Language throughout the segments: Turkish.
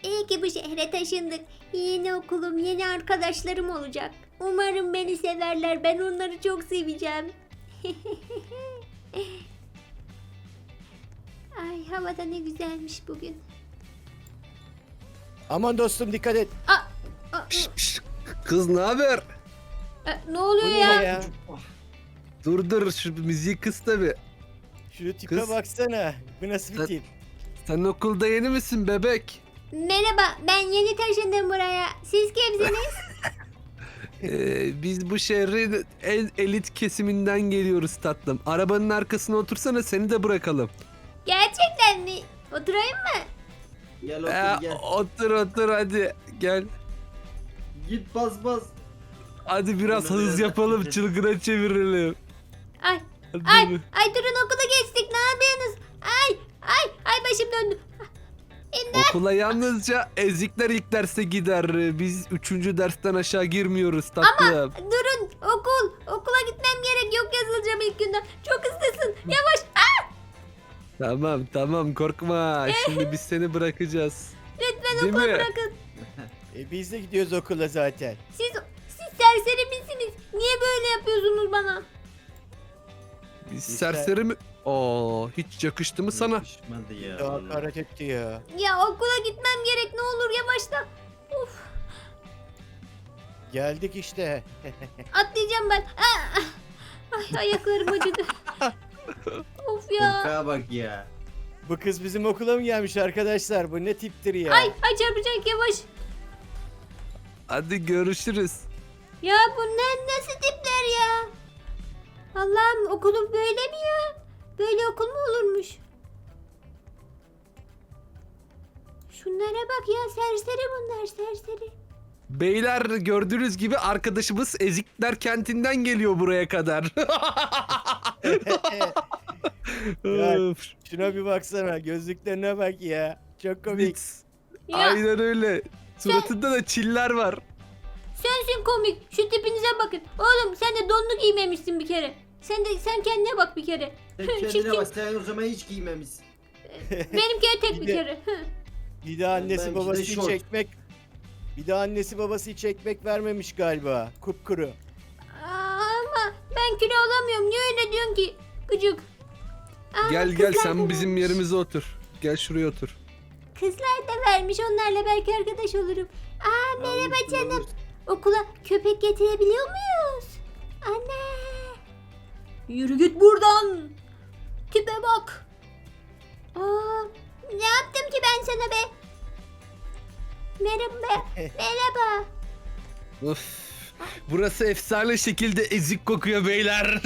İyi ki bu şehre taşındık. Yeni okulum, yeni arkadaşlarım olacak. Umarım beni severler. Ben onları çok seveceğim. Ay havada ne güzelmiş bugün. Aman dostum dikkat et. Kız ne haber? Ne Bu oluyor ne ya? ya? Dur şu müziği kıs tabi. Şu tipe Kız. baksana. Bu nasıl bir Sen- tip? Sen okulda yeni misin bebek? Merhaba, ben yeni taşındım buraya. Siz kimsiniz? Biz bu şehrin en elit kesiminden geliyoruz tatlım. Arabanın arkasına otursana seni de bırakalım. Gerçekten mi? Oturayım mı? Gel otur gel. Otur hadi gel. Git bas. Hadi biraz Öyle hız mi? yapalım çılgına çevirelim. Ay, Hadi. ay durun okula geçtik. Ne yapıyorsunuz? Ay başım döndü. Okula yalnızca ezikler ilk derse gider. Biz 3. dersten aşağı girmiyoruz tatlım. Durun okula gitmem gerek. Yok yazılacağım ilk günden. Çok hızlısın. Yavaş. Tamam korkma. Şimdi biz seni bırakacağız. Lütfen Değil okula mi? bırakın. Biz de gidiyoruz okula zaten. Siz serseri misiniz? Niye böyle yapıyorsunuz bana? Biz Biz serseri mi? Aa, hiç yakıştı mı sana? Yakışmadı ya. Daha vallahi. hakaret etti ya. Ya okula gitmem gerek. Ne olur yavaşla. Of, Geldik işte. atlayacağım ben. Ay ayaklarım acıdı. Of ya. Korkağa bak ya. Bu kız bizim okula mı gelmiş arkadaşlar? Bu ne tiptir ya? Ay çarpacak yavaş. Hadi görüşürüz. Ya bunlar nasıl tipler ya? Allah'ım okulum böyle mi ya? Böyle okul mu olurmuş? Şunlara bak ya serseri bunlar serseri. Beyler gördüğünüz gibi arkadaşımız Ezikler kentinden geliyor buraya kadar. Ya, Öf, şuna bir baksana. Gözlüklerine bak ya. Çok komik. Blitz. Ya Aynen öyle. Suratında da çiller var. sensin komik. Şu tipinize bakın. Oğlum sen de donlu giymemişsin bir kere. Sen kendine bak bir kere. Sen Çirkin. kendine bak, sen o zaman hiç giymemişsin. Benimki tek bir Bir de- kere. Bir de annesi Benimki de babası hiç şort. ekmek. Bir de annesi babası hiç ekmek vermemiş galiba. Kupkuru. Ama ben kilo alamıyorum. Niye öyle diyorsun ki? Gıcık. Gel kızlar da sen bizim vermiş. yerimize otur. Gel şuraya otur. Kızlar da vermiş. Onlarla belki arkadaş olurum. Merhaba Olursun, canım. olursun. Okula köpek getirebiliyor muyuz? Anne. Yürü git buradan. Tipe bak. Ne yaptım ki ben sana be? Merhaba. Merhaba. Of. Burası efsane şekilde ezik kokuyor beyler.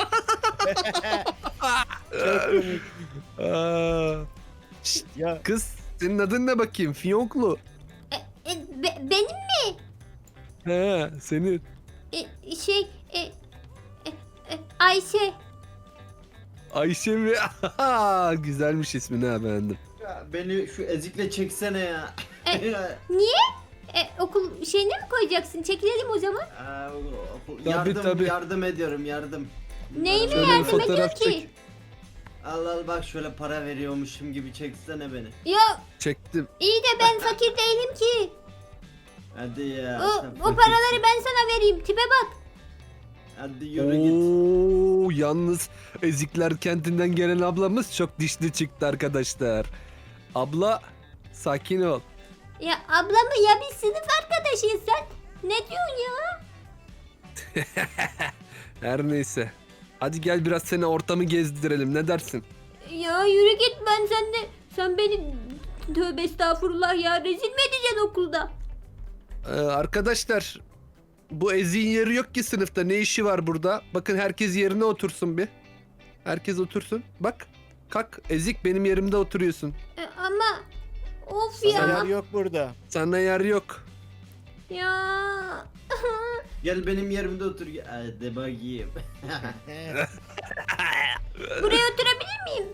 Çok komik. Aa. Şşt, Ya kız senin adın ne bakayım? Fiyonklu. Benim mi? He senin. Şey Ayşe. Ayşe mi? Güzelmiş ismin ha beğendim. Ya beni şu ezikle çeksene ya. E, Ya, Niye? Okul şeyine mi koyacaksın? Çekilelim o zaman. Tabii. Yardım ediyorum yardım. Neyime Şöyle bir yardım ediyor fotoğraf ki? çek. Al bak şöyle para veriyormuşum gibi çeksene beni. Ya Çektim. iyi de ben fakir değilim ki. Hadi ya. O, sen o fakirsin. paraları ben sana vereyim. Tipe bak. Hadi yürü git. Oo, yalnız Ezikler kentinden gelen ablamız çok dişli çıktı arkadaşlar. Abla sakin ol. Ya ablamı ya biz sınıf arkadaşıyız sen. Ne diyorsun ya? Her neyse. Hadi gel biraz seni ortamı gezdirelim ne dersin? Ya yürü git ben sen beni tövbe estağfurullah ya rezil mi edeceksin okulda? Arkadaşlar bu Ezik'in yeri yok ki sınıfta ne işi var burada? Bakın herkes yerine otursun bir. Herkes otursun. Bak kalk Ezik benim yerimde oturuyorsun. Ama of sana ya. yer yok burada. Sana yer yok. Ya. Gel benim yerimde otur. Hadi bakayım. Buraya oturabilir miyim?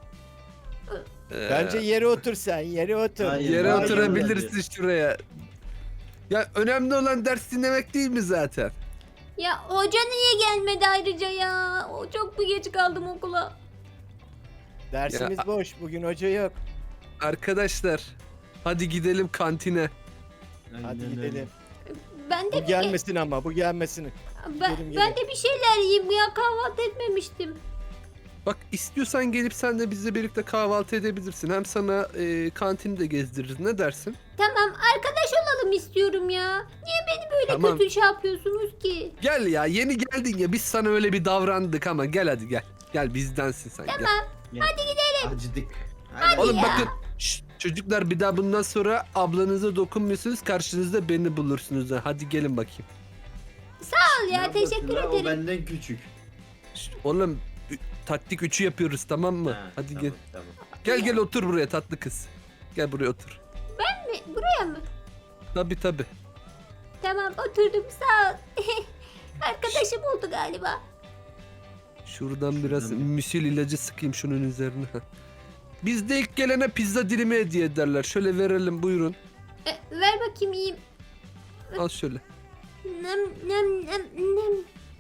Bence yere otur sen. Yere otur. Hayır, Yere hayır, oturabilirsin şuraya. Ya önemli olan ders dinlemek değil mi zaten? Ya hoca niye gelmedi ayrıca ya? O çok mu geç kaldım okula? Dersimiz Ya- boş. Bugün hoca yok. Arkadaşlar Hadi gidelim kantine. Aynen Hadi öyle. gidelim. Ben de Bu gelmesin ama bu gelmesin. ben, gidelim, ben de bir şeyler yiyeyim ya, kahvaltı etmemiştim. Bak istiyorsan gelip sen de bizle birlikte kahvaltı edebilirsin. Hem sana kantini de gezdiririz. Ne dersin? Tamam, arkadaş olalım istiyorum ya. Niye beni böyle Tamam. kötü şey yapıyorsunuz ki? Gel ya, yeni geldin ya, biz sana öyle bir davrandık ama gel hadi gel. Gel bizdensin sen, gel. Tamam. Hadi gidelim. Acıdık. Hadi. Oğlum ya. bakın şşt, çocuklar, bir daha bundan sonra ablanıza dokunmuyorsunuz, karşınızda beni bulursunuz. Hadi gelin bakayım. Al Ne ya, yapıyorsun teşekkür lan? O ederim. benden küçük. Şşt, oğlum taktik 3'ü yapıyoruz, tamam mı? Ha, Hadi tamam, gel. Tamam. Gel otur buraya tatlı kız. Gel buraya otur. Buraya mı? Tabii. Tamam, oturdum, sağ ol. Arkadaşım oldu galiba. Şuradan biraz Şuradan bir- müsil ilacı sıkayım şunun üzerine. Bizde ilk gelene pizza dilimi hediye ederler. Şöyle verelim, buyurun. Ver bakayım, yiyeyim. Al şöyle. Nem nem nem nem.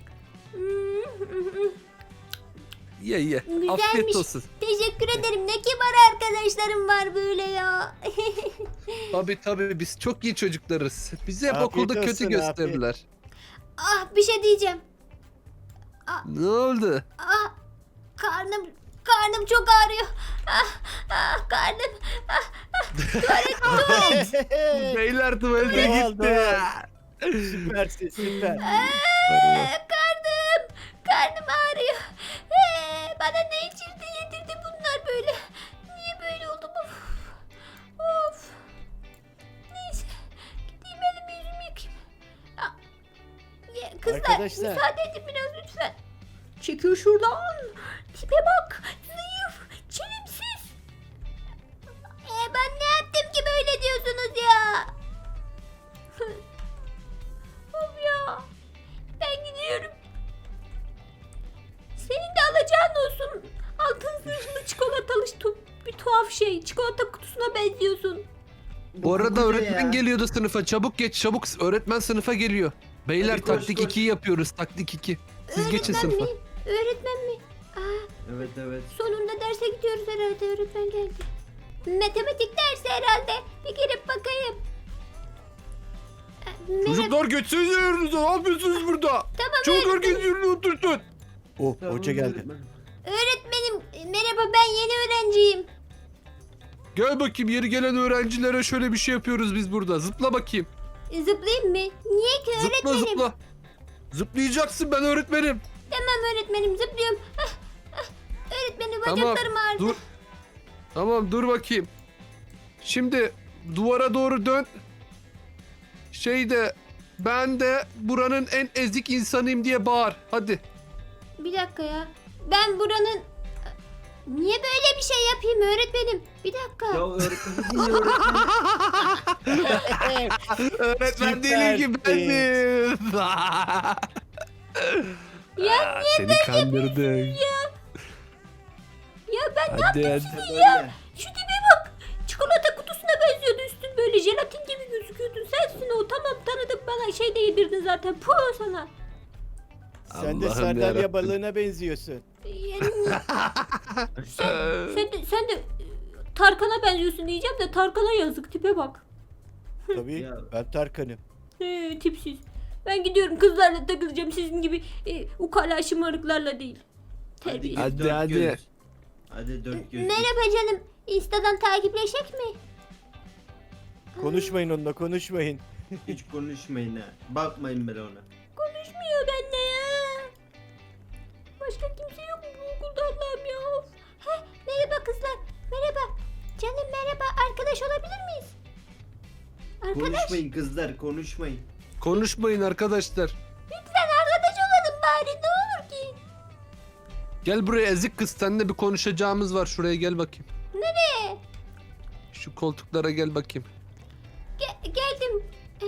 Ye. Güzelmiş. Afiyet olsun. Teşekkür ederim. Ne kibar arkadaşlarım var böyle ya. Tabii biz çok iyi çocuklarız. Bizi hep Afiyet okulda kötü olsun, gösterdiler. Ah, bir şey diyeceğim. Ne oldu? Ah, karnım çok ağrıyor. Karnım. Beyler tuvalete Doğal, gitti. Süpersin süper. Karnım ağrıyor. Bana ne içirdi yedirdi bunlar böyle. Niye böyle oldum? Of. Neyse. Gideyim elimi yüzümü yıkayayım. Ah, kızlar, Arkadaşlar. müsaade edin biraz lütfen. Çekil şuradan. Tipe bak. Zayıf. Çelimsiz. Ben ne yaptım ki böyle diyorsunuz ya? Of ya. Ben gidiyorum. Senin de alacağın olsun. Altın zırhlı çikolatalı bir tuhaf şey. Çikolata kutusuna benziyorsun. Bu arada koca öğretmen ya. geliyordu sınıfa. Çabuk geç, çabuk. Öğretmen sınıfa geliyor. Beyler Hadi koş, taktik koş. 2'yi yapıyoruz. Taktik 2. Siz geçin Öğretmen sınıfa. mi? Öğretmen mi? Evet. Sonunda derse gidiyoruz herhalde. Öğretmen geldi. Matematik dersi herhalde. Bir girip bakayım. Merhaba. Çocuklar geçsenize yerinize. Ne yapıyorsunuz burada? Tamam Çabuk öğretmenim. herkes yerine otursun. Oh Tamam, hoca geldi. öğretmen. Öğretmenim merhaba, ben yeni öğrenciyim. Gel bakayım, yeri gelen öğrencilere şöyle bir şey yapıyoruz biz burada. Zıpla bakayım. Zıplayayım mı? Niye ki Zıpla öğretmenim? zıpla. Zıplayacaksın, ben öğretmenim. Tamam öğretmenim, zıplıyorum. Öğretmenim, Tamam, bacaklarım ağrıdı. dur. Tamam dur bakayım. Şimdi duvara doğru dön. Ben de buranın en ezik insanıyım diye bağır. Hadi. Bir dakika ya. Ben buranın... Niye böyle bir şey yapayım öğretmenim? Bir dakika. Ya öğretmen yine öğretmen. Öğretmen değil ki benim. Ya Seni kandırdık. Ya ben ne Hadi yaptım? hadi. Böyle. Şu tipe bak. Çikolata kutusuna benziyordu, üstün böyle jelatin gibi gözüküyordun. Sensin o, tamam tanıdım, bana şey de yedirdin zaten. Puh sana. Sen de Allah'ım sardalya yarabbim. balığına benziyorsun. Yani, sen de Tarkan'a benziyorsun diyeceğim de Tarkan'a yazık, tipe bak. Tabii Ya. ben Tarkan'ım. Tipsiz. Ben gidiyorum, kızlarla takılacağım, sizin gibi ukala şımarıklarla değil. Terbiyesiz. Hadi, dört hadi. göz. Hadi 4 göz. Merhaba canım. Insta'dan takipleşek mi? Konuşmayın onunla konuşmayın. Hiç konuşmayın ha. Bakmayın bile ona. Konuşmuyor benimle ya. Başka kimse yok mu bu okulda, Allah'ım ya. Of. Merhaba kızlar. Merhaba. Canım merhaba. Arkadaş olabilir miyiz? Arkadaş. Konuşmayın kızlar, konuşmayın. Konuşmayın arkadaşlar. Lütfen arkadaş olalım bari. Ne olur ki. Gel buraya ezik kız, seninle bir konuşacağımız var. Şuraya gel bakayım. Nereye? Şu koltuklara gel bakayım. Geldim.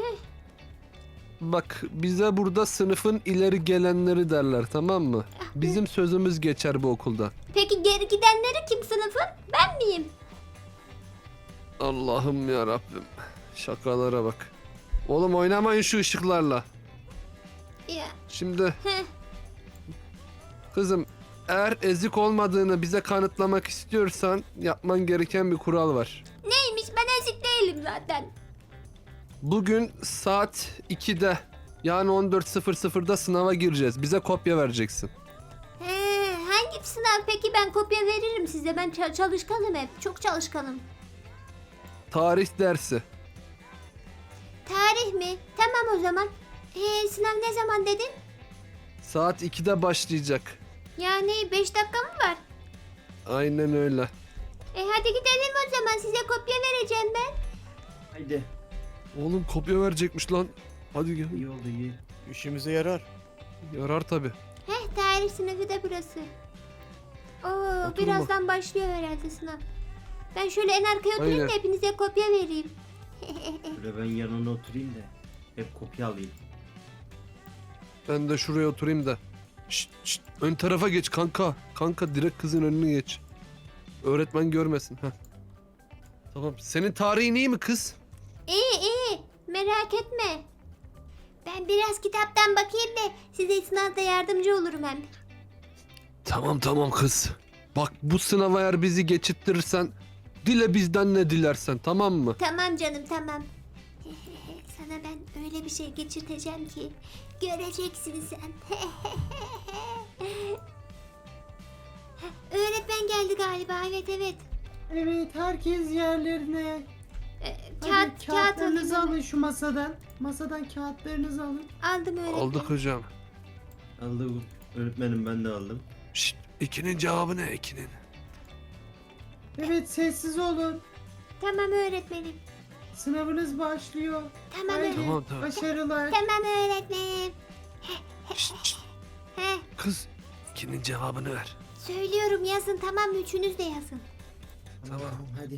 Bak, bize burada sınıfın ileri gelenleri derler, tamam mı? Bizim sözümüz geçer bu okulda. Peki geri gidenleri kim sınıfın? Ben miyim? Allah'ım ya Rabbim. Şakalara bak. Oğlum oynamayın şu ışıklarla. Ya. Şimdi Heh. kızım, eğer ezik olmadığını bize kanıtlamak istiyorsan yapman gereken bir kural var. Neymiş? Ben ezik değilim. değilim zaten. Bugün saat 2'de yani 14.00'da sınava gireceğiz. Bize kopya vereceksin. Hangi sınav peki, ben kopya veririm size. Ben çalışkanım hep. Çok çalışkanım. Tarih dersi. Tarih mi? Tamam o zaman. Sınav ne zaman dedin? Saat 2'de başlayacak. Yani 5 dakika mı var? Aynen öyle. Hadi gidelim o zaman. Size kopya vereceğim ben. Haydi. Oğlum kopya verecekmiş lan. Hadi gel. İyi oldu iyi. İşimize yarar. Yarar tabi. Tarih sınavı da burası. Oo, Oturma. birazdan başlıyor herhalde sınav. Ben şöyle en arkaya oturayım Aynen. da hepinize kopya vereyim. Şöyle ben yanına oturayım da hep kopya alayım. Ben de şuraya oturayım da. Şşt, şşt, ön tarafa geç kanka. Kanka direkt kızın önüne geç. Öğretmen görmesin. Heh. Tamam. Senin tarihin iyi mi kız? İyi merak etme. Ben biraz kitaptan bakayım da size sınavda yardımcı olurum hem. Tamam kız. Bak bu sınava eğer bizi geçirttirirsen dile bizden ne dilersen, tamam mı? Tamam canım tamam. Sana ben öyle bir şey geçirteceğim ki göreceksin sen. Öğretmen geldi galiba, evet. Evet, herkes yerlerine. Hadi Kağıt kağıtlarınızı alayım. alın şu masadan. Masadan kağıtlarınızı alın. Aldım öğretmen. Aldık hocam. Aldı öğretmenim, ben de aldım. Şşt, 2'nin cevabı ne 2'nin? Evet, sessiz olun. Tamam öğretmenim. Sınavınız başlıyor. Tamam Haydi, öğretmenim. Tamam. başarılar. Tamam öğretmenim. Şşt, Heh, kız 2'nin cevabını ver. söylüyorum yazın, tamam mı? Üçünüz de yazın. Tamam. Hadi.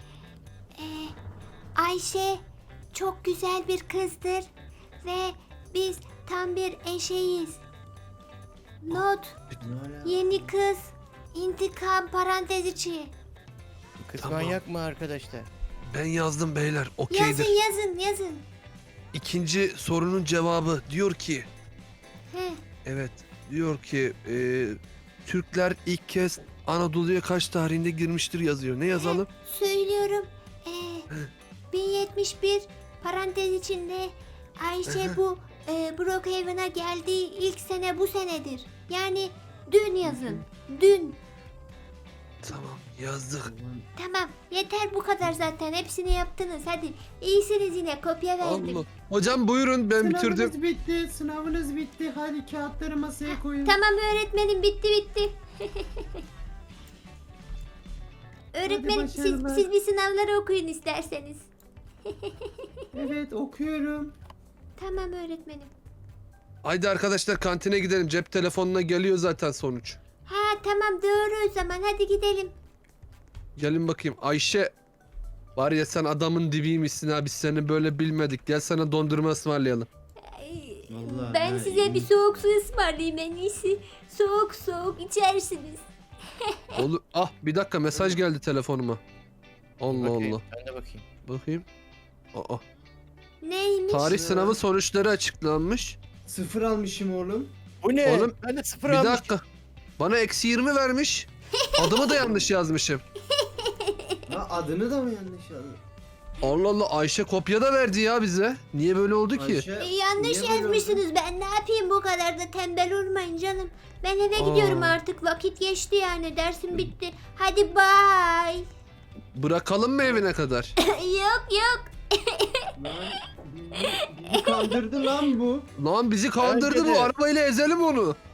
Ayşe çok güzel bir kızdır ve biz tam bir eşeğiz. Not, Ne ala? yeni kız, intikam parantez içi. Bu kız Tamam. manyak mı arkadaşlar? Ben yazdım beyler. Okeydir. Yazın. İkinci sorunun cevabı diyor ki, Heh, evet diyor ki Türkler ilk kez Anadolu'ya kaç tarihinde girmiştir yazıyor. Ne yazalım? söylüyorum. 1071 parantez içinde Ayşe bu Brookhaven'a geldiği ilk sene bu senedir. Yani dün yazın. Dün. Tamam yazdık. Tamam, yeter bu kadar zaten. Hepsini yaptınız. Hadi. İyisiniz yine. Kopya verdim. Allah. Hocam buyurun ben bitirdim. Sınavınız bitti. Sınavınız bitti. Hadi kağıtları masaya koyun. Tamam öğretmenim, bitti. Öğretmenim başarılar. siz bir sınavları okuyun isterseniz. Evet, okuyorum. Tamam öğretmenim. Haydi arkadaşlar kantine gidelim. Cep telefonuna geliyor zaten sonuç. Ha tamam, doğru o zaman. Hadi gidelim. Gelin bakayım. Ayşe var ya sen adamın dibiymişsin ha. Biz seni böyle bilmedik. Gel sana dondurma ısmarlayalım. Ay, Vallahi ben ha, size iyi. bir soğuk su ısmarlayayım en iyisi. Soğuk içersiniz. Olur. Ah bir dakika mesaj geldi telefonuma. Allah Bakayım, Allah. Ben de bakayım. Bakayım. Aa. Neymiş? Tarih Ya. sınavı sonuçları açıklanmış. 0 almışım oğlum. Bu ne? Oğlum, Ben de sıfır Bir almışım. dakika. Bana -20 vermiş. Adımı da yanlış yazmışım. Ha, adını da mı yanlış yazdın? Allah Allah Ayşe kopya da verdi ya bize. Niye böyle oldu ki? Ayşe, Yanlış niye böyle yazmışsınız. Ben ne yapayım, bu kadar da tembel olmayın canım. Ben eve gidiyorum artık. Vakit geçti yani. Dersim bitti. Hadi bye. Bırakalım mı evine kadar? Yok. Lan, bizi kandırdı lan bu. Lan bizi kandırdı Bence bu. de. Arabayla ezelim onu.